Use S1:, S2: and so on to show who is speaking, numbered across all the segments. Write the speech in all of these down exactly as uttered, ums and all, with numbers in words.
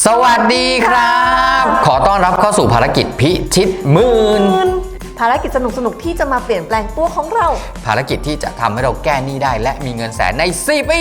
S1: สวัสดีครับขอต้อนรับเข้าสู่ภารกิจพิชิตหมื่น
S2: ภารกิจสนุกๆที่จะมาเปลี่ยนแปลงตัวของเรา
S1: ภารกิจที่จะทำให้เราแก้หนี้ได้และมีเงินแสนในสี่ปี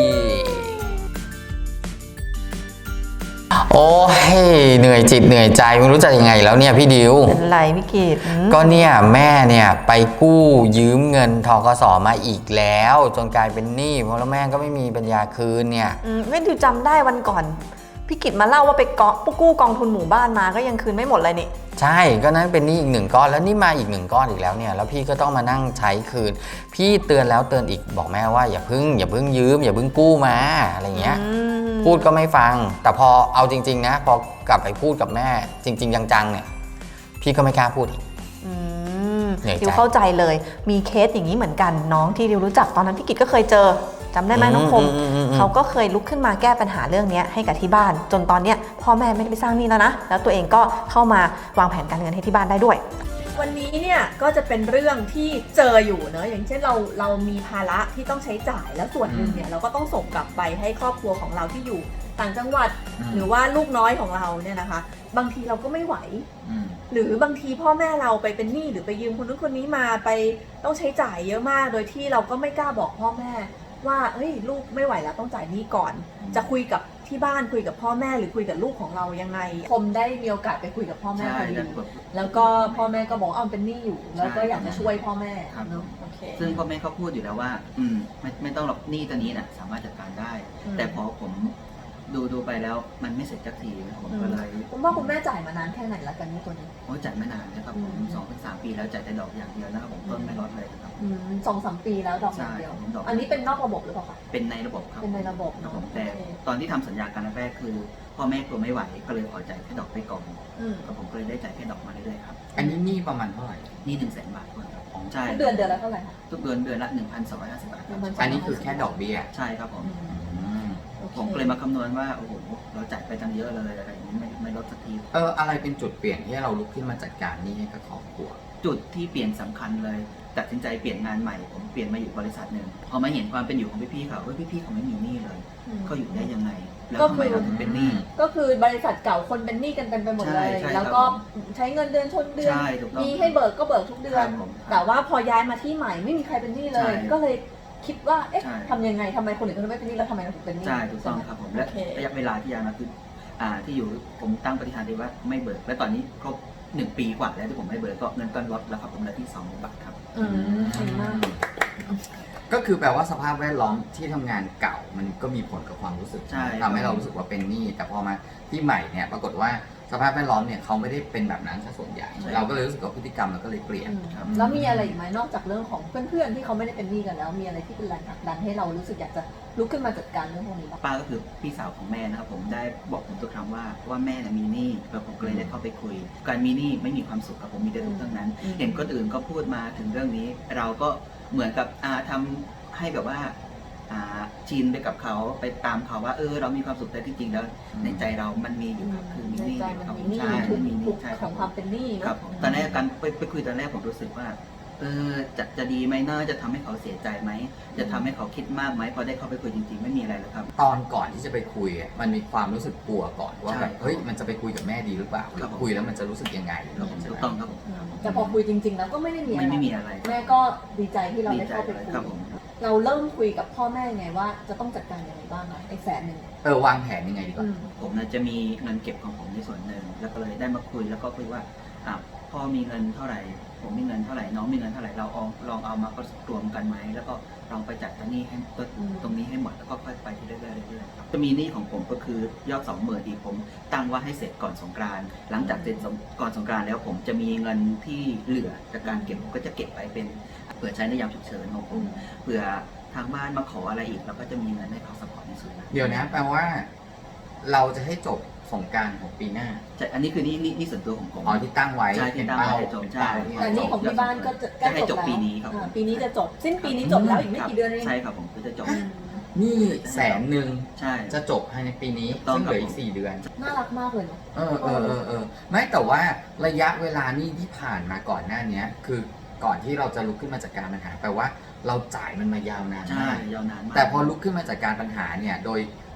S1: โอ้ยเหนื่อยจิตเหนื่อยใจไม่รู้จะยังไงแล้วเนี่ยพี่ดิว
S2: เป็นไรพี่กิต
S1: ก็เนี่ยแม่เนี่ยไปกู้ยืมเงินทกสมาอีกแล้วจนกลายเป็นหนี้เพราะแล้วแม่ก็ไม่มีปัญญาคืนเนี่ย
S2: ไม่ดิวจำได้วันก่อนพี่กิตมาเล่าว่าไปกู้กองทุนหมู่บ้านมาก็ยังคืนไม่หมดเลยนี่
S1: ใช่ก็นั้นเป็นหนี้อีกหนึ่งก้อนแล้วนี่มาอีกหนึ่งก้อนอีกแล้วเนี่ยแล้วพี่ก็ต้องมานั่งใช้คืนพี่เตือนแล้วเตือนอีกบอกแม่ว่าอย่าพึ่งอย่าพึ่งยืมอย่าพึ่งกู้มาอะไรเงี้ยพูดก็ไม่ฟังแต่พอเอาจริงๆนะพอกลับไปพูดกับแม่จริงๆจังๆเนี่ยพี่ก็ไม่กล้าพูดอีก
S2: ดิวเข้าใจเลยมีเคสอย่างนี้เหมือนกันน้องที่ดิวรู้จักตอนนั้นพี่กิตก็เคยเจอจำได้ไหมน้องคมเขาก็เคยลุกขึ้นมาแก้ปัญหาเรื่องนี้ให้กับที่บ้านจนตอนนี้พ่อแม่ไม่ได้ไปสร้างหนี้แล้วนะแล้วตัวเองก็เข้ามาวางแผนการเงินให้ที่บ้านได้ด้วย
S3: วันนี้เนี่ยก็จะเป็นเรื่องที่เจออยู่เนอะอย่างเช่นเราเรามีภาระที่ต้องใช้จ่ายแล้วส่วนหนึ่งเนี่ยเราก็ต้องส่งกลับไปให้ครอบครัวของเราที่อยู่ต่างจังหวัดหรือว่าลูกน้อยของเราเนี่ยนะคะบางทีเราก็ไม่ไหวหรือบางทีพ่อแม่เราไปเป็นหนี้หรือไปยืมคนนู้นคนนี้มาไปต้องใช้จ่ายเยอะมากโดยที่เราก็ไม่กล้าบอกพ่อแม่ว่าเฮ้ยลูกไม่ไหวแล้วต้องจ่ายหนี้ก่อนจะคุยกับที่บ้านคุยกับพ่อแม่หรือคุยกับลูกของเรายังไงคมได้มีโอกาสไปคุยกับพ่อแม่พอดีแล้วก็พ่อแม่ก็บอกเอาเป็นหนี้อยู่แล้วก็อยากจะช่วยพ่อแม่เนาะโอเค
S4: ซึ่งพ่อแม่เขาพูดอยู่แล้วว่าอืมไม่ไม่ต้องหรอกหนี้ตัวนี้นะสามารถจัดการได้แต่พอผมดูดูไปแล้วมันไม่เสร็จสักทีผมก็เลย
S2: คุณพ่อคุณแม่จ่ายมานานแค่ไหนแล้วกันนี่ตัวนี้
S4: โอ้จ่ายไม่นานนะครับผมสองถึงสามปีแล้วจ่ายแต่ดอกอย่างเดียวนะครับผมต้นไม่ลดเลยครับ
S2: สองสามปีแล้วดอกอย่างเดียวอันนี้เป็นนอกระบบหรือเปล่าคะ
S4: เป็นในระบบครับ
S2: เป็นในระบบ
S4: นะผมแต่ตอนที่ทำสัญญากันแรกคือพ่อแม่กลัวไม่ไหวก็เลยขอจ่ายแค่ดอกไปก่อนแล้วผมก็เลยได้จ่ายแค่ดอกมาเรื่อยๆครับ
S1: อันนี้หนี้ประมาณเท่าไหร่
S4: หนี้หนึ่งแสนบาทครับ
S2: ใช่ทุกเดือนเดือนละเท่าไหร่คะ
S4: ทุกเดือนเดือนละหนึ่งพันสองร้อยห้าสิบบาท
S1: อันนี้คือแค่ดอกเบี้ย
S4: ใช่ครับผมผมเลยมาคำนวณว่าโอ้โหเราจ่ายไปตั้งเยอะเลยอะไรอย่างนี้ไม่ไม่ลดสักที
S1: เอออะไรเป็นจุดเปลี่ยนที่เราลุกขึ้นมาจัดการนี้ให้กับครอบครัว
S4: จุดที่เปลี่ยนสำคัญเลยตัดสินใจเปลี่ยนงานใหม่ผมเปลี่ยนมาอยู่บริษัทหนึ่งพอมาเห็นความเป็นอยู่ของพี่ๆเขาว่าพี่ๆเขาไม่มีหนี้เลยเขาอยู่ได้ยังไงแล้วทำไมเราถึงเป็นหนี้
S2: ก็คือบริษัทเก่าคนเป็นหนี้กันเต็มไปหมดเลยแล้วก็ใช้เงินเดือนชนเดือนมีให้เบิกก็เบิกทุกเดือนแต่ว่าพอย้ายมาที่ใหม่ไม่มีใครเป็นหนี้เลยก็เลยคิดว่าเอ๊ะทำยังไงทำไมคนอื่นเขาไม่เป็นหนี้แล้วทำไมเราถึงเป็นหนี้
S4: ใช่ถูกต้องครับผมและระยะเวลาที่ย้ายมาคืออ่าที่อยู่ผมตั้งปฏิฐานเลยว่าไม่เบิกและตอนนี้ครบหนึ่งปีกว่าแล้วที่ผมไม่เบิกก็เงินต้นลดแล้วครับผมเหลือที่สองหมื่นบาทครับ
S2: อืมดีมาก
S1: ก็คือแปลว่าสภาพแวดล้อมที่ทำงานเก่ามันก็มีผลกับความรู้สึกทำให้เรารู้สึกว่าเป็นหนี้แต่พอมาที่ใหม่เนี่ยปรากฏว่าสภาพแวดล้อมเนี่ยเขาไม่ได้เป็นแบบนั้นซะส่วนใหญ่เราก็เลยรู้สึกว่าพฤติกรรมเราก็เลยเปลี่ยน
S2: แล้วมีอะไรอีกไหมนอกจากเรื่องของเพื่อนๆที่เขาไม่ได้เป็นหนี้กันแล้วมีอะไรที่เป็นแรงผลักดันให้เรารู้สึกอยากจะลุกขึ้นมาจัดการเรื่องพวกนี้บ้าง
S4: ป้าก็คือพี่สาวของแม่นะครับผมได้บอกผมทุกครั้งว่าว่าแม่น่ะมีหนี้แล้วผมก็เลยได้เข้าไปคุยการมีหนี้ไม่มีความสุขกับผมมีแต่ทุกข์ทั้งนั้นเห็นคนอื่นก็พูดมาถึงเรื่องนี้เราก็เหมือนกับอาทำให้แบบว่าชินไปกับเขาไปตามเขาว่าเออเรามีความสุขแต่ที่จริงแล้วในใจเรามันมีอยู่ครับคือมีหนี้
S2: ครับใช่มีหนี้ของความเป็นหนี้
S4: ครับตอนแรกการไปไปคุยตอนแรกผมรู้สึกว่าเออจะจะดีไหมน่าจะทำให้เขาเสียใจไหมจะทำให้เขาคิดมากไหมพอได้เข้าไปคุยจริงๆไม่มีอะไรเลยครับ
S1: ตอนก่อนที่จะไปคุยมันมีความรู้สึกกลัวก่อนว่าแบบเฮ้ยมันจะไปคุยกับแม่ดีหรือเปล่าคุยแล้วมันจะรู้สึกยังไง
S4: ถูกต้องครับผม
S2: แต่พอคุยจริงๆแล้วก็ไม่ได้มี
S4: อะไร
S2: แม่ก็ดีใจที่เราได้เข้าไปคุยเราเริ่มคุยกับพ่อแม่ไงว่าจะต้องจัดการยังไงบ้างไอ้แสนหนึ่ง
S1: เออวางแผนยังไงดีกว่า
S4: ผมนะจะมีเงินเก็บของผมในส่วนหนึ่งแล้วก็เลยได้มาคุยแล้วก็คุยว่าอ่ะพ่อมีเงินเท่าไหร่ผมมีเงินเท่าไหร่น้องมีเงินเท่าไหร่เราเอาลองเอามาก็รวมกันไหมแล้วก็ลองไปจัดตัวนี้ให้ตรงนี้ให้หมดแล้วก็ค่อยไปที่เรื่อยๆเรื่อยๆจะมีหนี้ของผมก็คือยอดสองหมื่นอีกผมตั้งว่าให้เสร็จก่อนสงกรานต์หลังจากเสร็จก่อนสงกรานต์แล้วผมจะมีเงินที่เหลือจากการเก็บก็จะเก็บไปเป็นเผื่อใช้ในยามฉุกเฉินของผมเผื่อทางบ้านมาขออะไรอีกเราก็จะมีเงินให้เขาสปอร์ตในส่วนนั้น
S1: เดี๋ยวนะแปลว่าเราจะให้จบสงกรานต์ของปีหน้า
S4: ใช่อันนี้คือนี่นี่นี่ส่วนตัวของผม
S1: อ๋อที่ตั้งไว้
S4: ใช่ที่ตั้งไว้จบใช่
S2: แต่นี่ของที่บ้านก็จะ
S4: จะให้จบปีนี้ครับ
S2: ปีนี้จะจบสิ้นปีนี้จบแล้วอีกไม่กี่เดือนเอง
S4: ใช่ครับผมก็จะจบ
S1: นี่แสนหนึ่ง
S4: ใช่
S1: จะจบภายในปีนี้ซึ่งเหลืออีกสี่เดือน
S2: น่ารักมากเลยเนาะ
S1: เออเออเออเออไม่แต่ว่าระยะเวลานี่ที่ผ่านมาก่อนหน้านี้คือก่อนที่เราจะลุกขึ้นมาจัดการปัญหาแปลว่าเราจ่ายมันมายาวนาน
S4: ใช่ยาวนานมาก
S1: แต่พอลุกขึ้นมาจัดการปัญหาเนี่ยโดย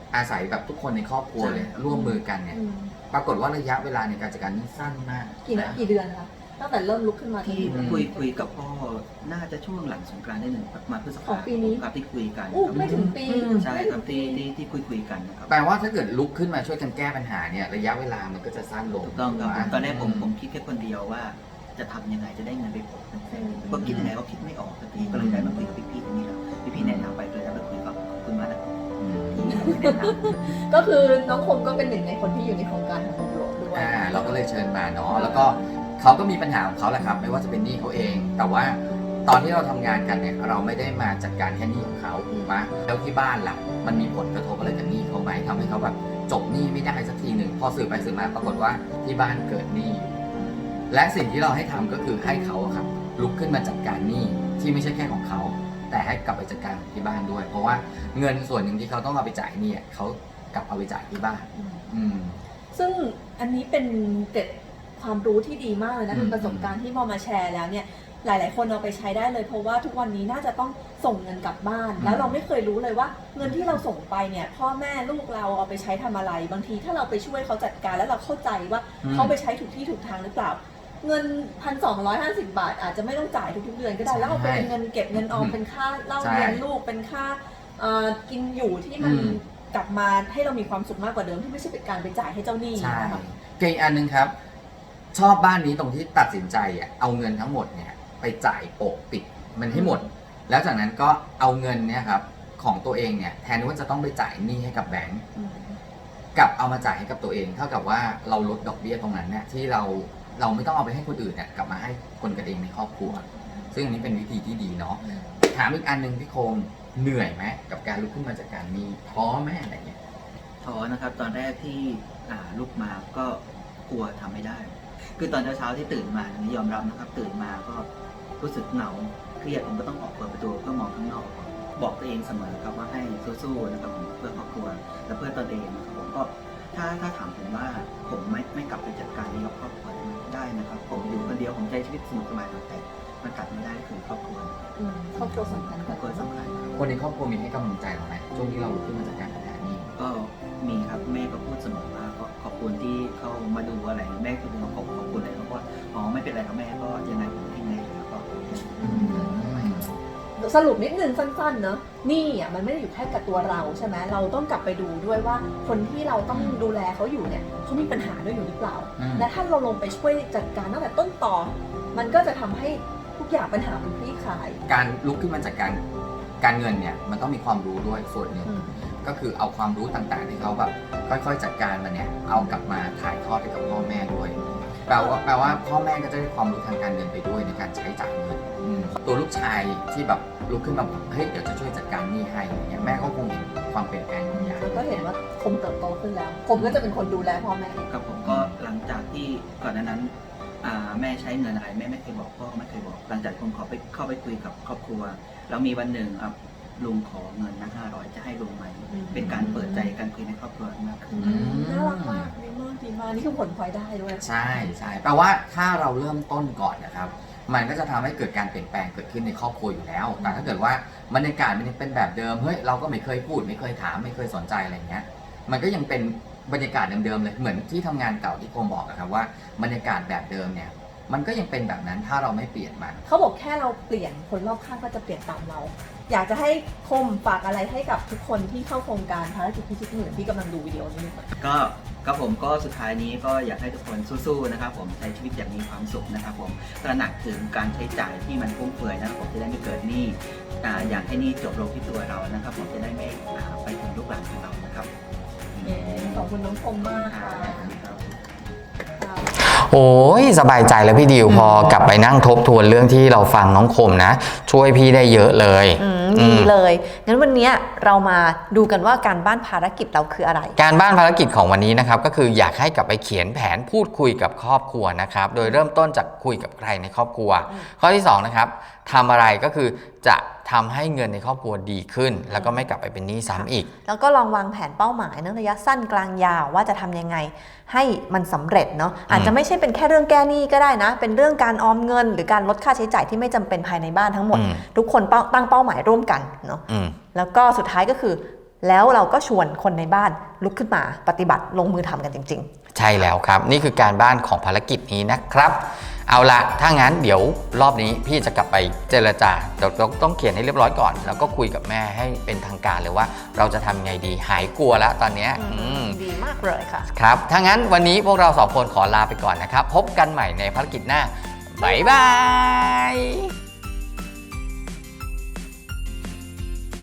S1: อาศัยแบบทุกคนในครอบครัวเลยร่วมมือกันเนี่ย
S3: อืม
S1: ปรากฏว่าระยะเวลาในการจัดการนี่สั้นมาก
S3: กี่นะ
S1: นะ
S3: กี่เดือนคะตั้งแต่เริ่มลุกขึ้นมา
S4: ที่
S3: ถึง
S4: คุยคุยกับพ่อน่าจะช่วงหลังสงกรานต์ได้หนึ่งมาพฤษ
S3: ขอ
S4: ภาง
S3: ปีนี้
S4: ครับที่คุยกัน
S3: อู้
S4: ครับ
S3: ไม่ถึงปี
S4: ใช่
S3: ไม่
S4: ค
S3: ถึ
S4: รับ
S3: งปี
S4: ที่ที่ที่คุยคุยกันนะครับ
S1: แปลว่าถ้าเกิดลุกขึ้นมาช่วยกันแก้ปัญหาเนี่ยระยะเวลามันก็จะสั้นลง
S4: ถูกต้องครับ
S1: ถูกไห
S4: ตอนแรกผมผมคิดแค่คนเดียวว่า จะทำยังไงจะได้เงินไปผมก็คิดยังไงก็คิดไม่ออกสักทีก็เลยได้มาคุยกับพี่ๆตรงนี้แล้วพี่ๆแนะนำไปเลยได้มาคุยกับขอบคุณมากนะครับ
S1: อืม
S4: ที่แนะนำ
S3: ก็คือน้องคมก็เป็นหนึ่งในคนที่อยู่ในโครงการของคุณหลวงด้วย
S1: อ่าเราก็เลยเชิญมาเนาะแล้วก็เขาก็มีปัญหาของเขาแหละครับ ไม่ว่าจะเป็นหนี้เขาเอง แต่ว่าตอนที่เราทำงานกันเนี่ยเราไม่ได้มาจัดการแค่หนี้ของเขาถูกไหมแล้วที่บ้านล่ะมันมีผลกระทบอะไรกับหนี้เขาไหมทำให้เขาแบบจบหนี้ไม่ได้สักทีหนึ่งพอสืบไปสืบมาปรากฏว่าที่บ้านเกิดหนี้และสิ่งที่เราให้ทำก็คือให้เขาอะครับลุกขึ้นมาจัดการหนี้ที่ไม่ใช่แค่ของเขาแต่ให้กลับไปจัดการของที่บ้านด้วย เพราะว่าเงินส่วนหนึ่งที่เขาต้องเอาไปจ่ายหนี้อะเขากลับเอาไปจ่ายที่บ้าน
S3: อืม
S1: อืม
S3: ซึ่งอันนี้เป็นเกร็ดความรู้ที่ดีมากเลยนะ
S1: อืม
S3: เป็นประสบการณ์ที่พอมาแชร์แล้วเนี่ยหลาย ๆ คนเอาไปใช้ได้เลยเพราะว่าทุกวันนี้น่าจะต้องส่งเงินกลับบ้าน แล้วเราไม่เคยรู้เลยว่าเงินที่เราส่งไปเนี่ยพ่อแม่ลูกเราเอาไปใช้ทำอะไร บางทีถ้าเราไปช่วยเขาจัดการแล้วเราเข้าใจว่าเขาไปใช้ถูกที่ถูกทางหรือเปล่า เงินพันสองร้อยห้าสิบบาทอาจจะไม่ต้องจ่ายทุกๆเดือนก็ได้แล้วเอาไปเป็นเงินเก็บเงินออมเป็นค่าเล่าเรียนลูกเป็นค่าเอ่อกินอยู่ที่มัน
S1: อืม
S3: กลับมาให้เรามีความสุขมากกว่าเดิมที่ไม่ใช่เป็นการไปจ่ายให้เจ้าหนี้
S1: ใช่
S3: นะคะ
S1: เก่งอันหนึงครับ ชอบบ้านนี้ตรงที่ตัดสินใจอ่ะเอาเงินทั้งหมดเนี่ยไปจ่ายโปะปิดมันให้หมด แล้วจากนั้นก็เอาเงินเนี่ยครับของตัวเองเนี่ยแทนที่ว่าจะต้องไปจ่ายหนี้ให้กับแบงก์กลับเอามาจ่ายให้กับตัวเองเท่ากับว่าเราลดดอกเบี้ยตรงนั้นเนี่ยที่เราเราไม่ต้องเอาไปให้คนอื่นเนี่ยกลับมาให้คนกันเองในครอบครัว ซึ่งอันนี้เป็นวิธีที่ดีเนาะถามอีกอันหนึ่งพี่โคมเหนื่อยไหมกับการลุกขึ้นมาจากการหนี้ท้อไหมอะไรเงี้ย
S4: ท้อนะครับตอนแรกที่อ่าลุกมาก็กลัวทำไม่ได้ คือตอนเช้าๆที่ตื่นมานี่ยอมรับนะครับตื่นมาก็รู้สึกเหงาเครียดผมก็ต้องออกเปิดประตูเพื่อมองข้างนอก บอกตัวเองเสมอครับว่าให้สู้ๆนะครับผมเพื่อครอบครัวและเพื่อตนเองนะครับผมก็ถ้าถ้าถามผมว่าผมไม่ไม่กลับไปจัดการนี้กับครอบครัวได้นะครับผมอยู่คนเดียวผมใช้ชีวิตสนุกสบายแต่มันกลับไม่ได้คือครอบครัว
S3: อืมครอบครัวสำคัญ
S4: ครอบครัว
S3: กับ
S4: สำคัญครับ
S1: คนในครอบครัวมีให้กำลังใจเราไหมช่วงที่เราลุกขึ้นมาจากการปัญหานี้
S4: ก็มีครับแม่ก็พูดเสมอว่าก็ขอบคุณที่เข้ามาดูอะไรแม่คือขอบขอบคุณเลยเพราะว่าอ๋อไม่เป็นไรครับแม่ก็ยังไงผมให้แม่แล้วก็
S3: สรุปนิดนึงสั้นๆเนอะหนี่อ่ะมันไม่ได้อยู่แค่กับตัวเราใช่ไหมเราต้องกลับไปดูด้วยว่าคนที่เราต้องดูแลเขาอยู่เนี่ยเขามีปัญหาด้วยอยู่หรือเปล่า
S1: อืม
S3: และถ้าเราลงไปช่วยจัดการตั้งแต่ต้นต่อ มันก็จะทำให้ทุกอย่างปัญหามันคลี่คลาย
S1: การลุกขึ้นมาจากการการเงินเนี่ยมันต้องมีความรู้ด้วยส่วนหนึ่ง
S3: อืม
S1: ก็คือเอาความรู้ต่างๆที่เขาแบบค่อยๆจัดการมันเนี่ยเอากลับมาถ่ายทอดให้กับพ่อแม่ด้วยแปลว่าแปลว่าพ่อแม่ก็จะได้ความรู้ทางการเงินไปด้วยในการใช้จ่ายเงินอืมตัวลูกชายที่แบบลุกขึ้นมาบอกเฮ้ยเดี๋ยวจะช่วยจัดการหนี้ให้อย่างเงี้ยแม่ก็คงเห็นความเปลี่ยนแปลงบางอย่าง
S3: แล้วก็เห็นว่าคมเติบโตขึ้นแล้วผมก็จะเป็นคนดูแลพ่อแม่
S4: กับผมก็หลังจากที่ก่อนหน้านั้นอ่าแม่ใช้เงินอะไรแม่ไม่เคยบอกพ่อก็ไม่เคยบอก หลังจากผมขอไปเข้าไปคุยกับครอบครัวแล้วมีวันหนึ่งอ่ะลุงขอเงินนะห้าร้อยจะให้ลุงไหม
S3: อืม
S4: เป็นการเปิดใจการคุยในครอบครัวมากขึ้น
S1: อืม
S3: น่ารักมากดีมากดีมากนี่คือผลพลอยได้ด้วย
S1: ใช่ใช่แปลว่าถ้าเราเริ่มต้นก่อนนะครับมันก็จะทำให้เกิดการเปลี่ยนแปลงเกิดขึ้นในครอบครัวอยู่แล้ว แต่ถ้าเกิดว่าบรรยากาศมันยังเป็นแบบเดิมเฮ้ยเราก็ไม่เคยพูดไม่เคยถามไม่เคยสนใจอะไรเงี้ยมันก็ยังเป็นบรรยากาศเดิมๆเลยเหมือนที่ทำงานเก่าที่โคมบอกนะครับว่าบรรยากาศแบบเดิมเนี่ยมันก็ยังเป็นแบบนั้นถ้าเราไม่เปลี่ยนมัน
S3: เขาบอกแค่เราเปลี่ยนคนรอบข้างก็จะเปลี่ยนตามเรา อยากจะให้คมฝากอะไรให้กับทุกคนที่เข้าโครงการภารกิจพิชิตหมื่นที่กำลังดูวิดีโอนี้อยู่
S4: ก็ก็ผมก็สุดท้ายนี้ก็อยากให้ทุกคนสู้ๆนะครับผมใช้ชีวิตอย่างมีความสุขนะครับผมตระหนักถึงการใช้จ่ายที่มันฟุ่มเฟือยนะครับผมจะได้ไม่เกิดหนี้อ่าอยากให้หนี้จบลงที่ตัวเรานะครับผมจะได้ไม่อ่าไปถึงลูกหลานของเรานะครับ
S3: ขอบคุณน้องคมมาก
S4: อ่า
S3: ค่ะ
S4: ครับ
S1: โอ้ยสบายใจแล้วพี่ดิวพอกลับไปนั่งทบทวนเรื่องที่เราฟังน้องคมนะ ช่วยพี่ได้เยอะเลย
S2: อืม
S1: อื
S2: ดี
S1: ม
S2: เลยงั้นวันนี้เรามาดูกันว่าการบ้านภารกิจเราคืออะไร
S1: การบ้านภารกิจของวันนี้นะครับก็คืออยากให้กลับไปเขียนแผนพูดคุยกับครอบครัวนะครับโดยเริ่มต้นจากคุยกับใครในครอบครัว ข้อที่สองนะครับทำอะไรก็คือจะทำให้เงินในครอบครัวดีขึ้น แล้วก็ไม่กลับไปเป็นหนี้ซ้ำอีก
S2: แล้วก็ลองวางแผนเป้าหมายในระยะสั้นกลางยาวว่าจะทำยังไงให้มันสำเร็จเนาะอาจจะไม่ใช่เป็นแค่เรื่องแก้หนี้ก็ได้นะ เป็นเรื่องการออมเงิน หรือการลดค่าใช้จ่ายที่ไม่จำเป็นภายในบ้านทั้งหมด
S1: อืม
S2: ทุกคนเป้าตั้งเป้าหมายร่วมกันเนาะ
S1: อืม
S2: แล้วก็สุดท้ายก็คือแล้วเราก็ชวนคนในบ้านลุกขึ้นมาปฏิบัติลงมือทำกันจริงๆ
S1: ใช่แล้วครับนี่คือการบ้านของภารกิจนี้นะครับเอาละถ้างั้นเดี๋ยวรอบนี้พี่จะกลับไปเจรจาเราต้องเขียนให้เรียบร้อยก่อนแล้วก็คุยกับแม่ให้เป็นทางการเลยว่าเราจะทำไงดีหายกลัวแล้วตอนนี้
S2: ดีมากเลยค่ะ
S1: ครับถ้างั้นวันนี้พวกเราสองคนขอลาไปก่อนนะครับพบกันใหม่ในภารกิจหน้าบ๊ายบาย